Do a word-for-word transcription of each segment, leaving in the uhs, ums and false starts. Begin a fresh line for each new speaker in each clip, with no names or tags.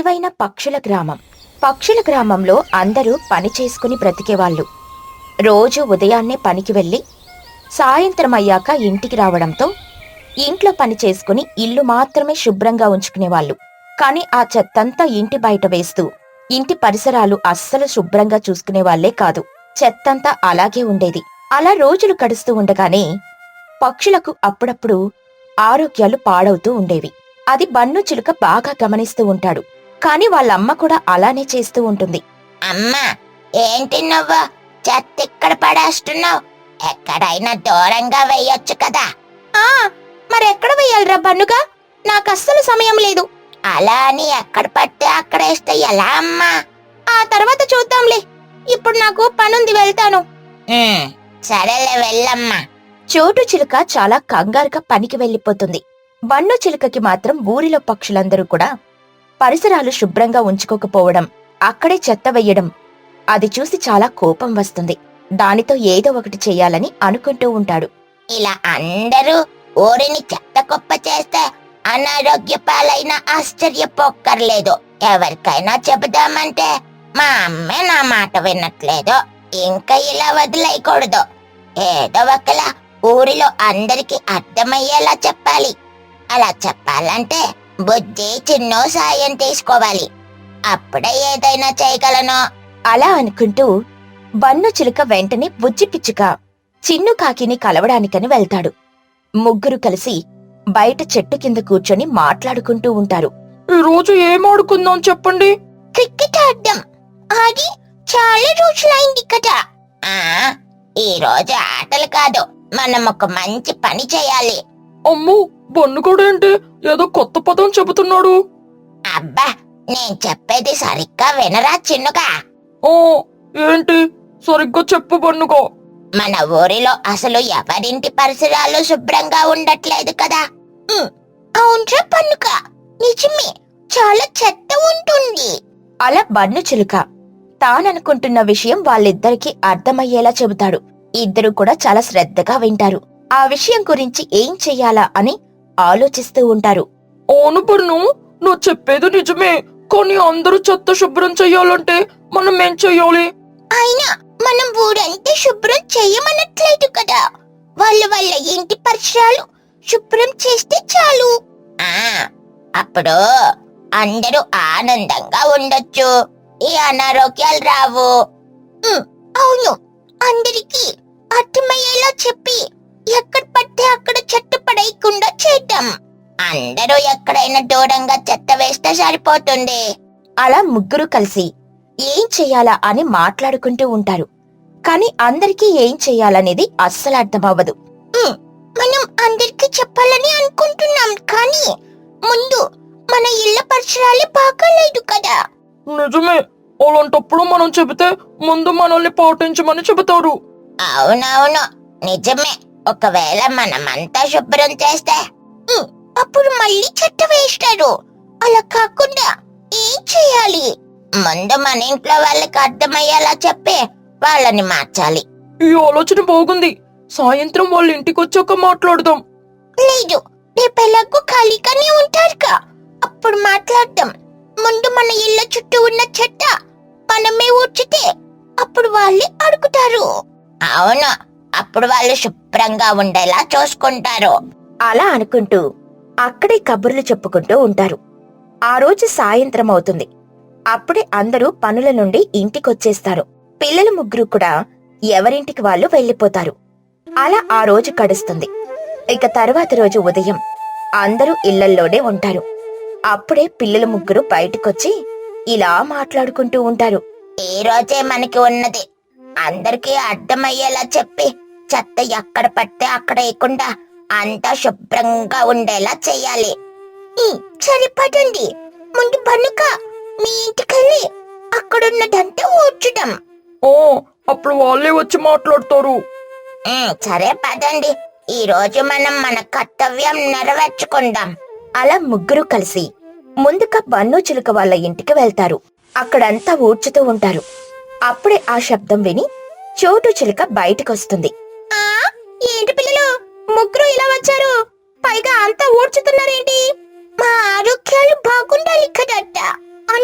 తెలివైన పక్షుల గ్రామం. పక్షుల గ్రామంలో అందరూ పని చేసుకుని బ్రతికేవాళ్లు. రోజు ఉదయాన్నే పనికి వెళ్లి సాయంత్రం అయ్యాక ఇంటికి రావడంతో ఇంట్లో పని చేసుకుని ఇల్లు మాత్రమే శుభ్రంగా ఉంచుకునేవాళ్లు. కాని ఆ చెత్తంతా ఇంటి బయట వేస్తూ ఇంటి పరిసరాలు అస్సలు శుభ్రంగా చూసుకునేవాళ్లే కాదు. చెత్తంతా అలాగే ఉండేది. అలా రోజులు గడుస్తూ ఉండగానే పక్షులకు అప్పుడప్పుడు ఆరోగ్యాలు పాడవుతూ ఉండేవి. అది బన్ను చిలుక బాగా గమనిస్తూ ఉంటాడు. కాని వాళ్ళమ్మ కూడా అలానే చేస్తూ ఉంటుంది.
అమ్మా, ఏంటి నువ్వు చెత్త ఇక్కడ పడేస్తున్నావు? ఎక్కడైనా దూరంగా వెయ్యొచ్చు కదా.
ఆ మరెక్కడ వెయ్యాలరా బన్నుగా? నాకస్సలు సమయం లేదు.
అలా అని ఎక్కడ పడితే అక్కడ వేస్తే ఎలా అమ్మా?
ఆ తర్వాత చూద్దాంలే, ఇప్పుడు నాకు పనుంది, వెళ్తాను.
ఉమ్, సరేలే వెళ్ళమ్మా.
చోటు చిలుక చాలా కంగారుగా పనికి వెళ్లిపోతుంది. బన్ను చిలుకకి మాత్రం ఊరిలో పక్షులందరూ కూడా పరిసరాలు శుభ్రంగా ఉంచుకోకపోవడం, అక్కడే చెత్త వెయ్యడం అది చూసి చాలా కోపం వస్తుంది. దానితో ఏదో ఒకటి చెయ్యాలని అనుకుంటూ ఉంటాడు.
ఇలా అందరూ ఊరిని చెత్త కుప్ప చేస్తే అనారోగ్య పాలైన ఆశ్చర్యపోక్కర్లేదు. ఎవరికైనా చెబుదామంటే మా అమ్మే నా మాట వినట్లేదు. ఇంకా ఇలా వదిలేయకూడదు. ఏదో ఒకలా ఊరిలో అందరికి అర్థమయ్యేలా చెప్పాలి. అలా చెప్పాలంటే బుద్ధి చిన్నో సాయం తీసుకోవాలి. అప్పుడే ఏదైనా చేయగలను.
అలా అనుకుంటూ బన్ను చిలుక వెంటనే బుజ్జి పిచ్చుక చిన్ను కాకిని కలవడానికని వెళ్తాడు. ముగ్గురు కలిసి బయట చెట్టు కింద కూర్చొని మాట్లాడుకుంటూ ఉంటారు.
ఈ రోజు ఏం ఆడుకుందాం చెప్పండి.
క్రికెట్ ఆడదాం. అది చాలా రోజులైంది కదా. ఆ ఈ రోజు ఆటలు కాదు, మనం ఒక మంచి పని చేయాలి.
అమ్మో, బన్నుగాడేంటి ఏదో కొత్త పదం చెబుతున్నాడు.
అబ్బా, నేను చెప్పేది సరిగ్గా వినరా చిన్నుగా?
ఓ ఏంటి, సరిగ్గా చెప్పు బన్నుగా.
మన ఊరిలో అసలు ఎవరింటి పరిసరాలు శుభ్రంగా ఉండట్లేదు కదా. అవునరా పన్నుక, నిజమే, చాలా చెత్త ఉంటుంది.
అలా బన్ను చిలుక తాననుకుంటున్న విషయం వాళ్ళిద్దరికీ అర్థమయ్యేలా చెబుతాడు. ఇద్దరూ కూడా చాలా శ్రద్ధగా వింటారు. ఆ విషయం గురించి ఏం చెయ్యాలా అని ఆలోచిస్తూ ఉంటారు.
అవును బన్ను, నువ్వు చెప్పేది నిజమే. కానీ అందరూ చెత్త శుభ్రం చెయ్యాలంటే మనం ఏం చెయ్యాలి?
అయినా మనం ఊరంతా శుభ్రం చేయమనట్లేదు కదా. వాళ్ళ వాళ్ళ ఇంటి పరిసరాలు శుభ్రం చేస్తే చాలు. ఆ అప్పుడు అందరూ ఆనందంగా ఉండొచ్చు. ఈ అనారోగ్యాలు రావు. అవును, అందరికీ అర్థమయ్యేలా చెప్పి ఎక్కడ పడితే అక్కడ చెత్త పడేయకుండా చేద్దాం. అందరూ ఎక్కడైనా దూరంగా చెత్త వేస్తే సరిపోతుంది.
అలా ముగ్గురు కలిసి ఏం చెయ్యాలా అని మాట్లాడుకుంటూ ఉంటారు. కాని అందరికీ ఏం చెయ్యాలనేది అస్సలు అర్థమవ్వదు.
మనం అందరికీ చెప్పాలని అనుకుంటున్నాం, కానీ ముందు మన ఇళ్ల పరిసరాలే బాగాలేదు కదా.
నిజమే, అలాంటప్పుడు మనం చెబితే ముందు మనల్ని పాటించమని చెబుతారు.
అవునవును, నిజమే. ఒకవేళ మనమంతా శుభ్రం చేస్తే అప్పుడు మళ్ళీ చెత్త వేస్తారు. అలా కాకుండా ఏం చేయాలి? ముందు మన ఇంట్లో వాళ్ళకి అర్థమయ్యేలా చెప్పి వాళ్ళని మార్చాలి.
ఈ ఆలోచన బాగుంది. సాయంత్రం వాళ్ళ ఇంటికి వచ్చాక మాట్లాడదాం.
లేదు, రేపెలాగూ ఖాళీగానే ఉంటారుగా, అప్పుడు మాట్లాడదాం. ముందు మన ఇళ్ల చుట్టూ ఉన్న చెత్త మనమే ఊడ్చితే అప్పుడు వాళ్ళే అడుగుతారు. అవును, అప్పుడు వాళ్ళు శుభ్రంగా ఉండేలా చూసుకుంటారు.
అలా అనుకుంటూ అక్కడే కబుర్లు చెప్పుకుంటూ ఉంటారు. ఆ రోజు సాయంత్రం అవుతుంది. అప్పుడే అందరూ పనుల నుండి ఇంటికొచ్చేస్తారు. పిల్లలు ముగ్గురు కూడా ఎవరింటికి వాళ్ళు వెళ్లిపోతారు. అలా ఆ రోజు గడుస్తుంది. ఇక తరువాత రోజు ఉదయం అందరూ ఇళ్లల్లోనే ఉంటారు. అప్పుడే పిల్లలు ముగ్గురు బయటకొచ్చి ఇలా మాట్లాడుకుంటూ ఉంటారు.
ఈ రోజే మనకి ఉన్నది. అందరికీ అర్థమయ్యేలా చెప్పి చెత్త ఎక్కడ పడితే అక్కడ వేయకుండా అంతా శుభ్రంగా ఉండేలా చెయ్యాలి. సరిపడండి. ముందు బన్నుక మీ ఇంటికెళ్ళి అక్కడున్నదంతా ఊడ్చడం.
ఓ అప్పుడు వాళ్ళే వచ్చి మాట్లాడతారు.
సరే పదండి, ఈ రోజు మనం మన కర్తవ్యం నెరవేర్చుకుందాం.
అలా ముగ్గురు కలిసి ముందుగా బన్ను చిలుక వాళ్ళ ఇంటికి వెళ్తారు. అక్కడంతా ఊడ్చుతూ ఉంటారు. అప్పుడే ఆ శబ్దం విని చోటు చిలుక బయటకొస్తుంది.
ఏంటి పిల్లలు, ముగ్గురు ఇలా వచ్చారు? పైగా అంతా ఊడ్చుతున్నారేంటి? మా ఆరోగ్యాలు బాగుండాలి కదట,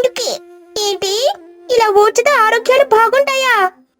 ఆరోగ్యాలు బాగుంటాయా?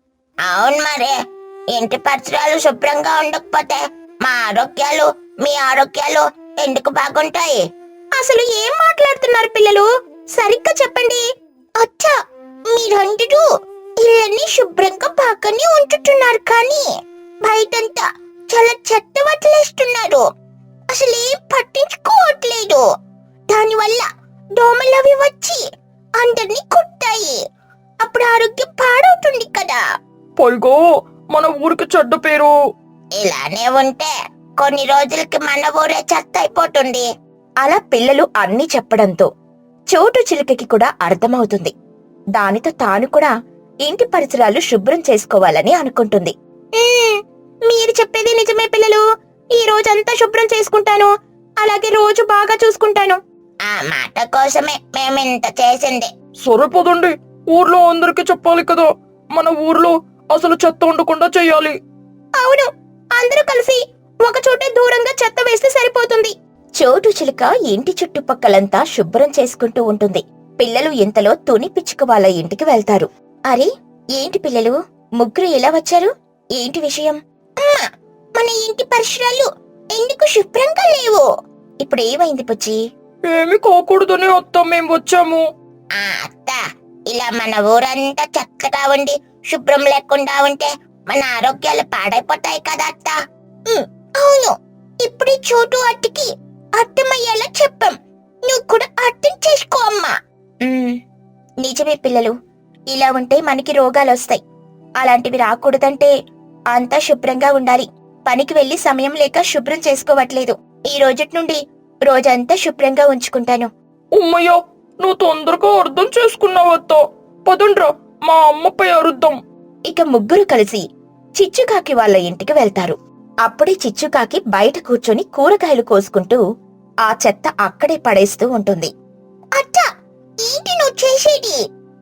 అవును మరే, ఇంటి పరిసరాలు శుభ్రంగా ఉండకపోతే మా ఆరోగ్యాలు మీ ఆరోగ్యాలు ఎందుకు బాగుంటాయి?
అసలు ఏం మాట్లాడుతున్నారు పిల్లలు? సరిగ్గా చెప్పండి.
అచ్చా, మీరందరూ ఇళ్ళని శుభ్రంగా బాగానే ఉంచుతున్నారు, కానీ బయటంతా చాలా చెత్త వదిలేస్తున్నారు. అసలు ఏం పట్టించుకోవట్లేదు. దానివల్ల దోమలవి వచ్చి అందరినీ కుట్టాయి. అప్పుడు ఆరోగ్యం పాడవుతుంది కదా.
పైగా మన ఊరికి చెడ్డ పేరు.
ఇలానే ఉంటే కొన్ని రోజులకి మన ఊరే చెత్త అయిపోతుంది.
అలా పిల్లలు అన్నీ చెప్పడంతో చోటు చిలుకకి కూడా అర్థమవుతుంది. దానితో తాను కూడా ఇంటి పరిసరాలు శుభ్రం చేసుకోవాలని అనుకుంటుంది.
మ్మ్,
మీరు చెప్పేది నిజమే పిల్లలు. ఈ రోజంతా శుభ్రం చేసుకుంటాను, అలాగే రోజు బాగా చూసుకుంటాను.
ఆ మాట కోసమే మేమింత చేసింది.
సరే పదండి, ఊర్లో అందరికి చెప్పాలి కదా. మన ఊర్లో అసలు చెత్త ఉండకుండా చెయ్యాలి.
అవును, అందరూ కలిసి ఒక చోటే దూరంగా చెత్త వేస్తే సరిపోతుంది. చోటు చిలుక ఇంటి చుట్టుపక్కలంతా శుభ్రం చేసుకుంటూ ఉంటుంది. పిల్లలు ఇంతలో తుని పిచ్చుక వాళ్ళ ఇంటికి వెళ్తారు. అరే, ఏంటి పిల్లలు ముగ్గురు ఎలా వచ్చారు? ఏంటి విషయం?
అమ్మా, మన ఇంటి పరిసరాలు ఎందుకు శుభ్రంగా లేవు?
ఇప్పుడు ఏమైంది పుచ్చి?
ఏమి కాకూడదని అత్త మేం వచ్చాము.
ఆ అత్త, ఇలా మన ఊరంతా చెత్తగా ఉండి శుభ్రం లేకుండా ఉంటే మన ఆరోగ్యాలు పాడైపోతాయి కదా అత్త. ఉమ్, అవును, ఇప్పుడు ఈ చోటు అట్టకి అర్థమయ్యేలా చెప్పాం. నువ్వు కూడా అర్థం చేసుకో అమ్మా.
ఉమ్, నిజమే పిల్లలు. ఇలా ఉంటే మనకి రోగాలొస్తాయి. అలాంటివి రాకూడదంటే అంతా శుభ్రంగా ఉండాలి. పనికి వెళ్లి సమయం లేక శుభ్రం చేసుకోవట్లేదు. ఈ రోజటి నుండి రోజంతా శుభ్రంగా ఉంచుకుంటాను.
ఉమ్మయ్య, నువ్వు తొందరగా అర్థం చేసుకున్నావు అత్త. పదండ్రా, మా అమ్మపై అరుద్దాం.
ఇక ముగ్గురు కలిసి చిచ్చుకాకి వాళ్ళ ఇంటికి వెళ్తారు. అప్పుడే చిచ్చుకాకి బయట కూర్చొని కూరగాయలు కోసుకుంటూ ఆ చెత్త అక్కడే పడేస్తూ ఉంటుంది.
అత్త, ఏంటి నువ్వు చేసేది?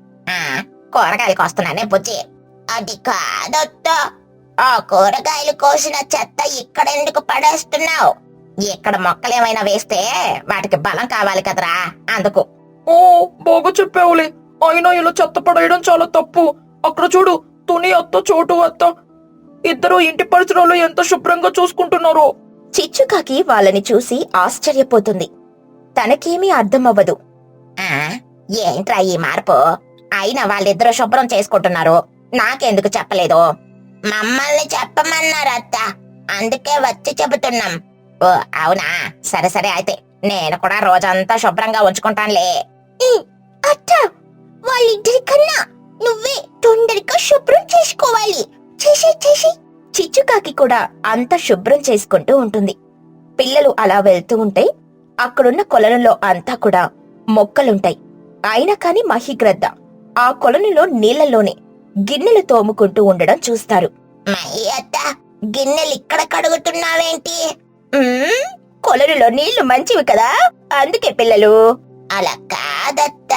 ఆ కూరగాయలు కోస్తున్నానే బుజ్జి. అది కాదత్త, ఆ కూరగాయలు కోసిన చెత్త ఇక్కడెందుకు పడేస్తున్నావు? ఇక్కడ మొక్కలేమైనా వేస్తే వాటికి బలం కావాలి కదరా, అందుకు.
ఓ, బాగా చెప్పావులే. అయినా ఇలా చెత్త పడేయడం చాలా తప్పు. అక్కడ చూడు, తుని అత్త చోటు అత్త ఇద్దరు ఇంటి పరిసరాలు ఎంత శుభ్రంగా చూసుకుంటున్నారో.
చిచ్చుకాకి వాళ్ళని చూసి ఆశ్చర్యపోతుంది. తనకేమీ అర్థమవ్వదు.
ఆ ఏంట్రా ఈ మార్పు? అయినా వాళ్ళిద్దరూ శుభ్రం చేసుకుంటున్నారు, నాకెందుకు చెప్పలేదు? మమ్మల్ని చెప్పమన్నారు అత్త, అందుకే వచ్చి చెబుతున్నాం. ఓ అవునా, సరే సరే, అయితే నేను కూడా రోజంతా శుభ్రంగా ఉంచుకుంటానులే. అత్త, వాళ్ళిద్దరికన్నా నువ్వే తొందరగా శుభ్రం చేసుకోవాలి. చేసి చేసి
చిచ్చుకాకి కూడా అంత శుభ్రం చేసుకుంటూ ఉంటుంది. పిల్లలు అలా వెళ్తూ ఉంటే అక్కడున్న కొలనులో అంతా కూడా మొక్కలుంటాయి. అయినా కాని మహిగ్రద్ద ఆ కొలనులో నీళ్లలోనే గిన్నెలు తోముకుంటూ ఉండడం చూస్తారు.
మై అత్త, గిన్నెలు ఇక్కడ కడుగుతున్నావేంటి?
"ఉమ్, కొలనులో నీళ్లు మంచివి కదా, అందుకే పిల్లలు."
అలా కాదత్త,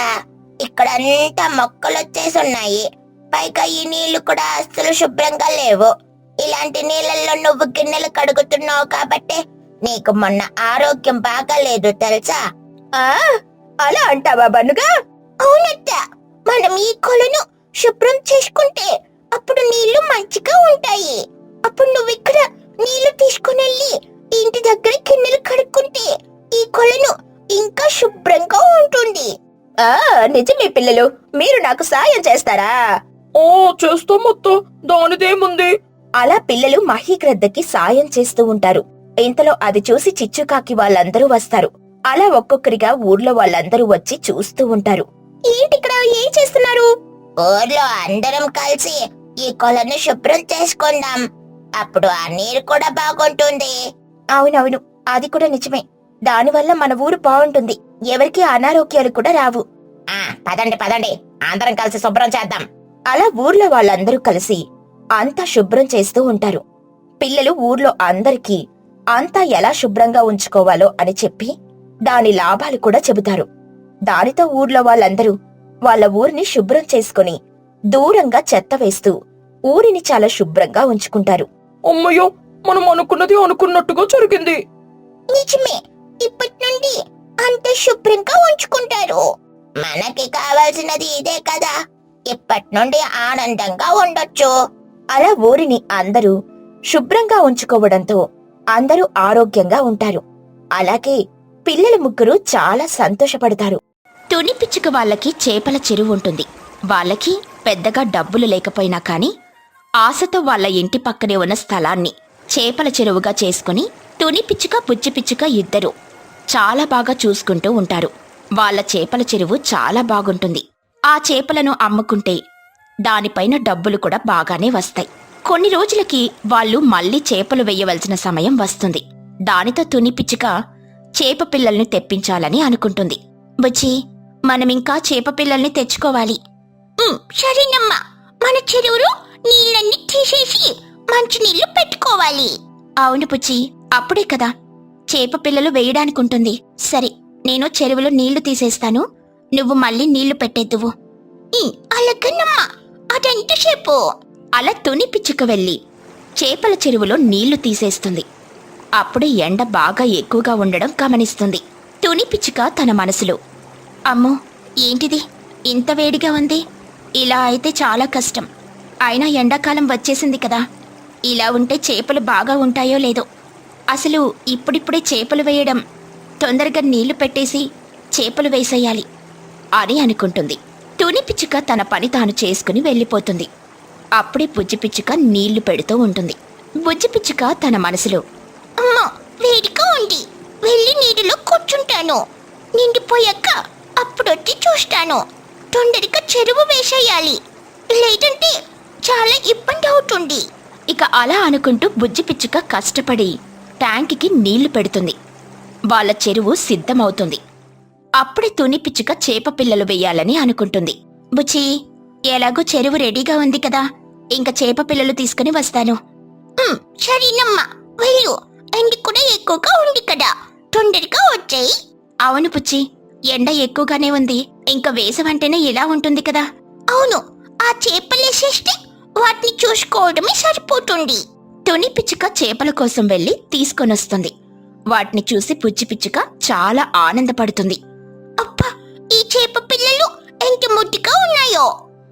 ఇక్కడంతా మొక్కలొచ్చేసున్నాయి. పైగా ఈ నీళ్లు కూడా అస్సలు శుభ్రంగా లేవు. ఇలాంటి నీళ్ళల్లో నువ్వు గిన్నెలు కడుగుతున్నావు కాబట్టి నీకు మొన్న ఆరోగ్యం బాగాలేదు తెలుసా?
ఆ అలా అంటావా బన్నుగా?
అవునత్త, మనం ఈ కొలను శుభ్రం చేసుకుంటే అప్పుడు నీళ్లు మంచిగా ఉంటాయి. అప్పుడు నువ్వు ఇక్కడ నీళ్లు తీసుకునెళ్ళి ఇంటి దగ్గర గిన్నెలు కడుక్కుంటే ఈ కొలను ఇంకా శుభ్రంగా ఉంటుంది.
ఆ నిజమే పిల్లలు, మీరు నాకు సాయం చేస్తారా?
ఓ, చేస్తాం అత్త, దానిదేముంది.
అలా పిల్లలు మహీగ్రద్దకి సాయం చేస్తూ ఉంటారు. ఇంతలో అది చూసి చిచ్చుకాకి వాళ్ళందరూ వస్తారు. అలా ఒక్కొక్కరిగా ఊర్లో వాళ్ళందరూ వచ్చి చూస్తూ ఉంటారు. ఏంటిక్కడ ఏం చేస్తున్నారు?
ఊర్లో అందరం కలిసి ఈ కొలను శుభ్రం చేసుకుందాం. అప్పుడు ఆ నీరు కూడా బాగుంటుంది.
అవునవును, అది కూడా నిజమే. దానివల్ల మన ఊరు బాగుంటుంది, ఎవరికీ అనారోగ్యాలు కూడా రావు.
ఆ పదండి పదండి, అందరం కలిసి శుభ్రం చేద్దాం.
అలా ఊర్లో వాళ్ళందరూ కలిసి అంతా శుభ్రం చేస్తూ ఉంటారు. పిల్లలు ఊర్లో అందరికీ అంతా ఎలా శుభ్రంగా ఉంచుకోవాలో అని చెప్పి దాని లాభాలు కూడా చెబుతారు. దానితో ఊర్లో వాళ్ళందరూ వాళ్ళ ఊరిని శుభ్రం చేసుకుని దూరంగా చెత్త వేస్తూ ఊరిని చాలా శుభ్రంగా ఉంచుకుంటారు.
అమ్మయ్యో, మనం అనుకున్నది అనుకున్నట్టుగా జరిగింది.
నిజమే, ఇప్పటి నుండి అంత శుభ్రంగా ఉంచుకుంటారు. మనకి కావాల్సినది ఇదే కదా. ఇప్పటి నుండి ఆనందంగా ఉండొచ్చు.
అలా ఊరిని అందరూ శుభ్రంగా ఉంచుకోవడంతో అందరూ ఆరోగ్యంగా ఉంటారు. అలాగే పిల్లల ముగ్గురు చాలా సంతోషపడతారు. తుని పిచ్చుక వాళ్ళకి చేపల చెరువు ఉంటుంది. వాళ్ళకి పెద్దగా డబ్బులు లేకపోయినా కాని ఆశతో వాళ్ళ ఇంటి పక్కనే ఉన్న స్థలాన్ని చేపల చెరువుగా చేసుకుని తుని పిచ్చుక బుజ్జి పిచ్చుక ఇద్దరు చాలా బాగా చూసుకుంటూ ఉంటారు. వాళ్ళ చేపల చెరువు చాలా బాగుంటుంది. ఆ చేపలను అమ్ముకుంటే దానిపైన డబ్బులు కూడా బాగానే వస్తాయి. కొన్ని రోజులకి వాళ్ళు మళ్ళీ చేపలు వేయవలసిన సమయం వస్తుంది. దానితో తుని పిచ్చుక చేప పిల్లల్ని తెప్పించాలని అనుకుంటుంది. బుజ్జి, మనమింకా చేప పిల్లల్ని తెచ్చుకోవాలి.
ఉమ్, సరేనమ్మా, మన చెరువులో నీళ్ళన్నీ తీసేసి మంచినీళ్లు పెట్టుకోవాలి.
అవును బుజ్జి, అప్పుడే కదా చేప పిల్లలు వేయడానికుంటుంది. సరే, నేను చెరువులో నీళ్లు తీసేస్తాను, నువ్వు మళ్ళీ నీళ్లు పెట్టేద్దువు.
ఉమ్, అలాగేనమ్మా, అదెంతసేపు?
అలా తుని పిచ్చుక వెళ్ళి చేపల చెరువులో నీళ్లు తీసేస్తుంది. అప్పుడే ఎండ బాగా ఎక్కువగా ఉండడం గమనిస్తుంది. తుని పిచ్చుక తన మనసులో, అమ్మో, ఏంటిది ఇంత వేడిగా ఉంది, ఇలా అయితే చాలా కష్టం. అయినా ఎండాకాలం వచ్చేసింది కదా, ఇలా ఉంటే చేపలు బాగా ఉంటాయో లేదో. అసలు ఇప్పుడిప్పుడే చేపలు వేయడం, తొందరగా నీళ్లు పెట్టేసి చేపలు వేసేయాలి అని అనుకుంటుంది. తుని పిచ్చుక తన పని తాను చేసుకుని వెళ్ళిపోతుంది. అప్పుడే బుజ్జి పిచ్చుక నీళ్లు పెడుతూ ఉంటుంది. బుజ్జి పిచ్చుక తన మనసులో,
అమ్మా, వేడిగా ఉంది, వెళ్ళి నీటిలో కూర్చుంటాను. నిండిపోయాక అప్పుడొచ్చి చూస్తాను. తొందరగా చెరువు వేసేయాలి, లేదంటే చాలా ఇబ్బంది అవుతుంది.
ఇక అలా అనుకుంటూ బుజ్జి పిచ్చుక కష్టపడి ట్యాంక్కి నీళ్లు పెడుతుంది. వాళ్ళ చెరువు సిద్ధమవుతుంది. అప్పుడే తుని పిచ్చుక చేప పిల్లలు వెయ్యాలని అనుకుంటుంది. బుజ్జి, ఎలాగో చెరువు రెడీగా ఉంది కదా, ఇంక చేప పిల్లలు తీసుకుని వస్తాను.
ఉమ్, సరేనమ్మా, వెళ్ళు. ఎండ కూడా ఎక్కువగా ఉంది కదా, తొందరగా వచ్చేయి.
అవును బుజ్జి, ఎండ ఎక్కువగానే ఉంది, ఇంక వేసవంటేనే ఇలా ఉంటుంది కదా.
అవును, ఆ చేపలేసేస్తే వాటిని చూసుకోవడమే సరిపోతుంది.
తుని పిచ్చుక చేపల కోసం వెళ్లి తీసుకొనొస్తుంది. వాటిని చూసి బుజ్జి పిచ్చుక చాలా ఆనందపడుతుంది.
అబ్బా, ఈ చేప పిల్లలు ఎంత ముద్దుగా ఉన్నాయో.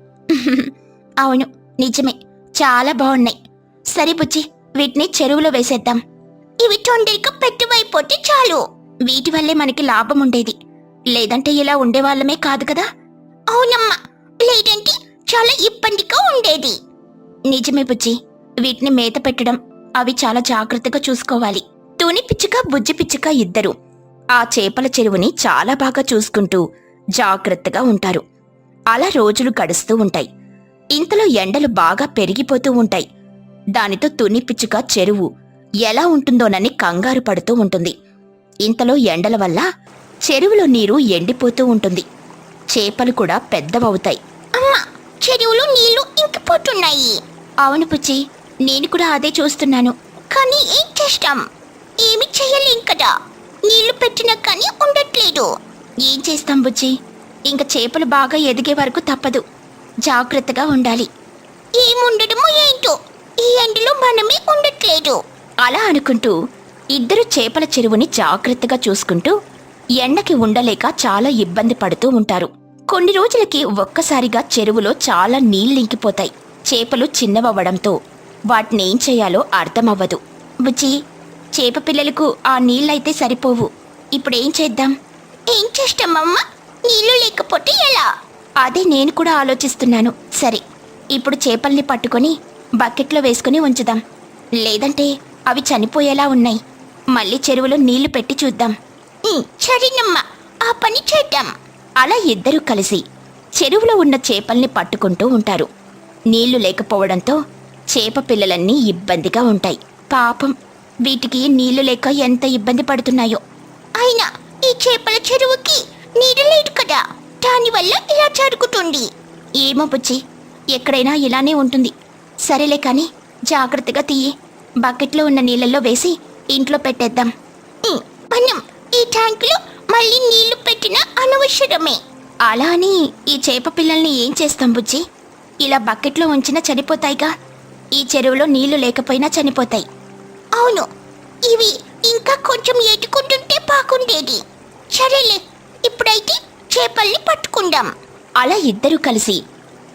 అవును, నిజమే, చాలా బాగున్నాయి. సరే బుజ్జి, వీటిని చెరువులో వేసేద్దాం.
ఇవి తొందరగా పెద్దవైపోతే చాలు.
వీటి వల్లే మనకి లాభం ఉండేది, లేదంటే ఇలా ఉండేవాళ్ళమే కాదు కదా.
అవునమ్మా, లేదంటే చాలా ఇబ్బందిగా ఉండేది.
నిజమే బుజ్జి, వీటిని మేత పెట్టడం అవి చాలా జాగ్రత్తగా చూసుకోవాలి. తుని పిచ్చుక బుజ్జి పిచ్చుక ఇద్దరు ఆ చేపల చెరువుని చాలా బాగా చూసుకుంటూ జాగ్రత్తగా ఉంటారు. అలా రోజులు గడుస్తూ ఉంటాయి. ఇంతలో ఎండలు బాగా పెరిగిపోతూ ఉంటాయి. దానితో తుని పిచ్చుక చెరువు ఎలా ఉంటుందోనని కంగారు పడుతూ ఉంటుంది. ఇంతలో ఎండల వల్ల చెరువులో నీరు ఎండిపోతూ ఉంటుంది. చేపలు కూడా పెద్దవవుతాయి.
అమ్మా, చెరువులో నీళ్లు ఇంకిపోతున్నాయి.
అవును బుజ్జి, నేను కూడా అదే చూస్తున్నాను.
కానీ ఏం చేస్తాం, ఏమి చెయ్యలేం కదా, నీళ్లు పెట్టినా కానీ ఉండట్లేదు.
ఏం చేస్తాం బుజ్జి, ఇంక చేపలు బాగా ఎదిగే వరకు తప్పదు, జాగ్రత్తగా ఉండాలి.
ఏముండడమో ఏంటో, ఈ ఎండలో మనమే ఉండట్లేదు.
అలా అనుకుంటూ ఇద్దరు చేపల చెరువుని జాగ్రత్తగా చూసుకుంటూ ఎండకి ఉండలేక చాలా ఇబ్బంది పడుతూ ఉంటారు. కొన్ని రోజులకి ఒక్కసారిగా చెరువులో చాలా నీళ్ళింకిపోతాయి. చేపలు చిన్నవవ్వడంతో వాటినేం చేయాలో అర్థమవ్వదు. బుజ్జి, చేప పిల్లలకు ఆ నీళ్ళైతే సరిపోవు, ఇప్పుడేం చేద్దాం?
ఏం చేస్తామమ్మా, నీళ్లు లేకపోతే ఎలా?
అదే నేను కూడా ఆలోచిస్తున్నాను. సరే, ఇప్పుడు చేపల్ని పట్టుకొని బకెట్లో వేసుకుని ఉంచుదాం, లేదంటే అవి చనిపోయేలా ఉన్నాయి. మళ్ళీ చెరువులో నీళ్లు పెట్టి చూద్దాం.
ఉమ్, సరేనమ్మా, ఆ పని చేద్దాం.
అలా ఇద్దరూ కలిసి చెరువులో ఉన్న చేపల్ని పట్టుకుంటూ ఉంటారు. నీళ్లు లేకపోవడంతో చేప పిల్లలన్నీ ఇబ్బందిగా ఉంటాయి. పాపం, వీటికి నీళ్లు లేక ఎంత ఇబ్బంది పడుతున్నాయో.
అయినా ఈ చేపల చెరువుకి నీరు లేదు కదా, దానివల్ల ఇలా జరుగుతుంది.
ఏమో బుజ్జి, ఎక్కడైనా ఇలానే ఉంటుంది. సరేలే కాని జాగ్రత్తగా తీయి, బకెట్లో ఉన్న నీళ్ళల్లో వేసి ఇంట్లో పెట్టేద్దాం.
ఉమ్, మనం ఈ ట్యాంకులో మళ్ళీ నీళ్లు పెట్టినా అనవసరమే.
అలా అని ఈ చేప పిల్లల్ని ఏం చేస్తాం బుజ్జి? ఇలా బకెట్లో ఉంచినా చనిపోతాయిగా. ఈ చెరువులో నీళ్లు లేకపోయినా చనిపోతాయి.
అవును, ఇవి ఇంకా కొంచెం ఎదుకుంటుంటే బాగుండేది. సరేలే, ఇప్పుడైతే చేపల్ని పట్టుకుందాం.
అలా ఇద్దరూ కలిసి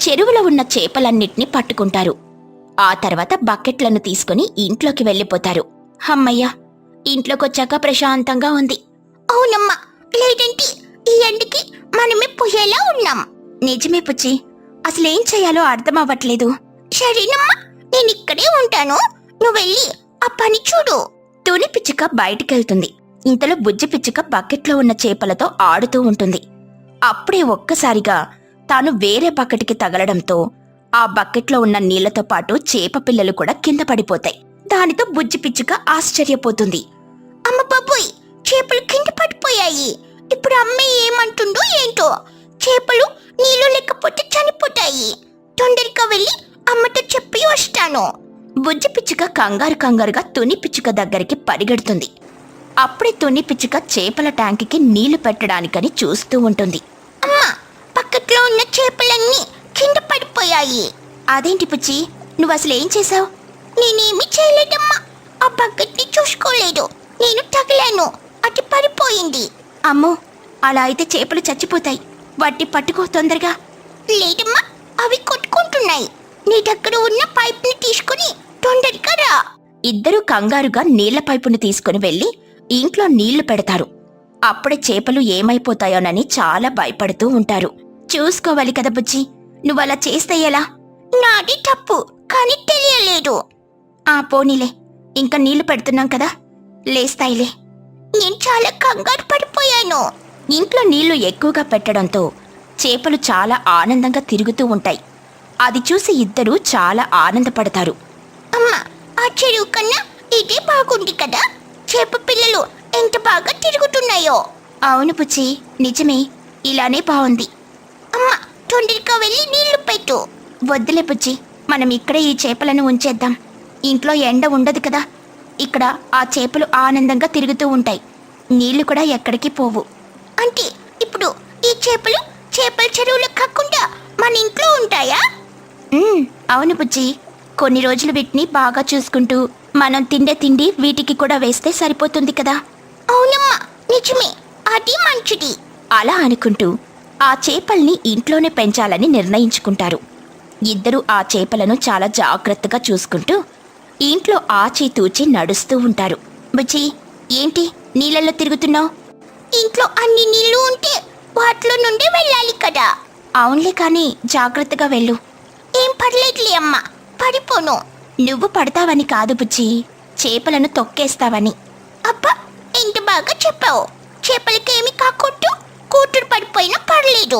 చెరువులో ఉన్న చేపలన్నిటినీ పట్టుకుంటారు. ఆ తర్వాత బకెట్లను తీసుకుని ఇంట్లోకి వెళ్ళిపోతారు. హమ్మయ్య, ఇంట్లోకొచ్చాక ప్రశాంతంగా ఉంది.
అవునమ్మా, లేదంటే ఈ ఎండకి మనమే పోయేలా ఉన్నాం.
నిజమే పుచ్చి, అసలేం చేయాలో అర్థం అవ్వట్లేదు.
సరేనమ్మా, నేను ఇక్కడే ఉంటాను, నువ్వు వెళ్ళి ఆ పని చూడు.
తుని పిచ్చుక బయటికెళ్తుంది. ఇంతలో బుజ్జి పిచ్చుక బకెట్లో ఉన్న చేపలతో ఆడుతూ ఉంటుంది. అప్పుడే ఒక్కసారిగా తాను వేరే బకెట్కి తగలడంతో ఆ బకెట్లో ఉన్న నీళ్లతో పాటు చేప పిల్లలు కూడా కింద పడిపోతాయి. దానితో బుజ్జి పిచ్చుక ఆశ్చర్యపోతుంది.
అమ్మ బాబోయ్, చేపలు కింద పడిపోయాయి. ఇప్పుడు అమ్మ ఏమంటుందో ఏంటో. చేపలు నీళ్ళు లేకపోతే చనిపోతాయి. తొందరగా వెళ్ళి అమ్మతో చెప్పి వస్తాను.
బుజ్జి పిచ్చుక కంగారు కంగారుగా తుని పిచ్చుక దగ్గరికి పరిగెడుతుంది. అప్పుడే తుని పిచ్చుక చేపల ట్యాంకుకి నీళ్లు పెట్టడానికని చూస్తూ ఉంటుంది.
అమ్మా, పక్కట్లో ఉన్న చేపలన్నీ కింద పడిపోయాయి.
అదేంటి పుచ్చి, నువ్వు అసలు ఏం చేశావు?
నేనేమి చేయలేదమ్మా, ఆ బకెట్ని చూసుకోలేదు. నేను తగిలాను, అది పడిపోయింది.
అమ్మో, అలా అయితే చేపలు చచ్చిపోతాయి. వాటిని పట్టుకో తొందరగా.
లేదమ్మా, అవి కొట్టుకుంటున్నాయి. నీ దగ్గర ఉన్న పైప్ని తీసుకుని తొందరగా రా.
ఇద్దరూ కంగారుగా నీళ్ల పైపుని తీసుకుని వెళ్లి ఇంట్లో నీళ్లు పెడతారు. అప్పుడే చేపలు ఏమైపోతాయోనని చాలా భయపడుతూ ఉంటారు. చూసుకోవాలి కదా బుజ్జి, నువ్వలా చేస్తే ఎలా?
నాది తప్పు, కానీ తెలియలేదు.
ఆ పోనీలే, ఇంకా నీళ్లు పెడుతున్నాం కదా, లేస్తాయిలే.
నేను చాలా కంగారు పడిపోయాను.
ఇంట్లో నీళ్లు ఎక్కువగా పెట్టడంతో చేపలు చాలా ఆనందంగా తిరుగుతూ ఉంటాయి. అది చూసి ఇద్దరూ చాలా ఆనందపడతారు.
అమ్మా, ఆ చెరువు కన్నా ఇదే బాగుంది కదా. చేప పిల్లలు ఎంత బాగా తిరుగుతున్నాయో.
అవును పుచ్చి, నిజమే, ఇలానే బాగుంది.
అమ్మా, తొందరగా వెళ్ళి నీళ్లు పెట్టు.
వద్దులే పుచ్చి, మనం ఇక్కడే ఈ చేపలను ఉంచేద్దాం. ఇంట్లో ఎండ ఉండదు కదా, ఇక్కడ ఆ చేపలు ఆనందంగా తిరుగుతూ ఉంటాయి. నీళ్లు కూడా ఎక్కడికి పోవు.
అంటే ఇప్పుడు ఈ చేపలు చేపల చెరువులో కాకుండా మన ఇంట్లో ఉంటాయా?
ఉమ్, అవును పుచ్చి, కొన్ని రోజులు వీటిని బాగా చూసుకుంటూ మనం తిండే తిండి వీటికి కూడా వేస్తే సరిపోతుంది కదా.
అవునమ్మా, నిజమే, అది మంచిది.
అలా అనుకుంటూ ఆ చేపల్ని ఇంట్లోనే పెంచాలని నిర్ణయించుకుంటారు. ఇద్దరూ ఆ చేపలను చాలా జాగ్రత్తగా చూసుకుంటూ ఇంట్లో ఆచితూచి నడుస్తూ ఉంటారు. బుజ్జి, ఏంటి నీళ్ళల్లో తిరుగుతున్నావు?
ఇంట్లో అన్ని నీళ్లు ఉంటే వాటిలో నుండి వెళ్ళాలి కదా.
అవునులే, కానీ జాగ్రత్తగా వెళ్ళు.
ఏం పర్లేదులే అమ్మా, పడిపోను.
నువ్వు పడతావని కాదు బుజ్జి, చేపలను తొక్కేస్తావని.
అబ్బా, ఎంత బాగా చెప్పావు. చేపలకేమి కాకొట్టు, కూతురు పడిపోయినా పర్లేదు.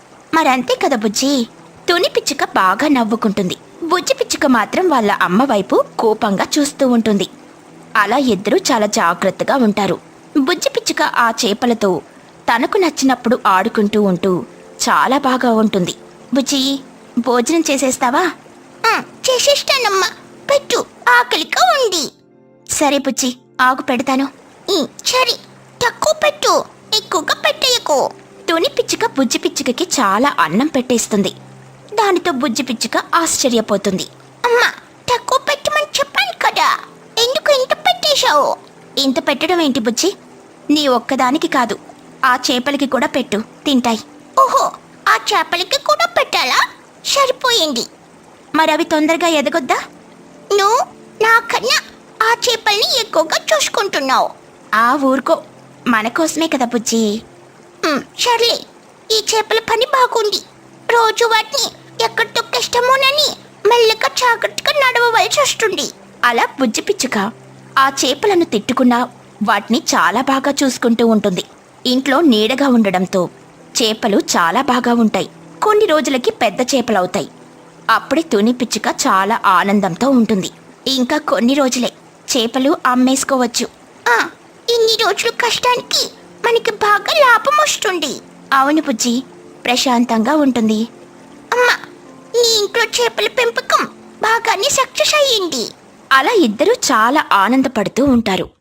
మరంతే కదా బుజ్జి. తుని పిచ్చుక బాగా నవ్వుకుంటుంది. బుజ్జి పిచ్చుక మాత్రం వాళ్ళ అమ్మ వైపు కోపంగా చూస్తూ ఉంటుంది. అలా ఇద్దరూ చాలా జాగ్రత్తగా ఉంటారు. బుజ్జి పిచ్చుక ఆ చేపలతో తనకు నచ్చినప్పుడు ఆడుకుంటూ ఉంటూ చాలా బాగా ఉంటుంది. బుజ్జి, భోజనం చేసేస్తావా?
ఆ, చేసేస్తానమ్మా, పెట్టు, ఆకలిగా ఉంది.
సరే బుజ్జి, ఆగు పెడతాను.
ఉమ్, సరే, తక్కువ పెట్టు, ఎక్కువగా పెట్టేయకు.
తుని పిచ్చుక బుజ్జి పిచ్చుకకి చాలా అన్నం పెట్టేస్తుంది. దానితో బుజ్జి పిచ్చుక ఆశ్చర్యపోతుంది.
అమ్మా, తక్కువ పెట్టమని చెప్పాను కదా, ఎందుకు ఇంత పెట్టేశావు?
ఇంత పెట్టడం ఏంటి బుజ్జి? నీ ఒక్కదానికి కాదు, ఆ చేపలకి కూడా పెట్టు, తింటాయి.
ఓహో, ఆ చేపలకి కూడా పెట్టాలా? సరిపోయింది.
మరవి తొందరగా ఎదగొద్దా?
నువ్వు నాకన్నా ఆ చేపల్ని ఎక్కువగా చూసుకుంటున్నావు.
ఆ ఊరుకో, మన కోసమే కదా బుజ్జి.
ఉమ్, సర్లే, ఈ చేపల పని బాగుంది. రోజు వాటిని ఎక్కడ తొక్కేస్తామోనని మెల్లగా జాగ్రత్తగా నడవవలసి వస్తుంది.
అలా బుజ్జి పిచ్చుక ఆ చేపలను తిట్టుకున్నా వాటిని చాలా బాగా చూసుకుంటూ ఉంటుంది. ఇంట్లో నీడగా ఉండడంతో చేపలు చాలా బాగా ఉంటాయి. కొన్ని రోజులకి పెద్ద చేపలవుతాయి. అప్పుడే తుని పిచ్చుక చాలా ఆనందంతో ఉంటుంది. ఇంకా కొన్ని రోజులే, చేపలు అమ్మేసుకోవచ్చు.
ఆ, ఇన్ని రోజులు కష్టానికి మనకి బాగా లాభం వస్తుంది.
అవును బుజ్జి, ప్రశాంతంగా ఉంటుంది.
అమ్మా, నీ ఇంట్లో చేపల పెంపకం బాగానే సక్సెస్ అయ్యింది.
అలా ఇద్దరూ చాలా ఆనందపడుతూ ఉంటారు.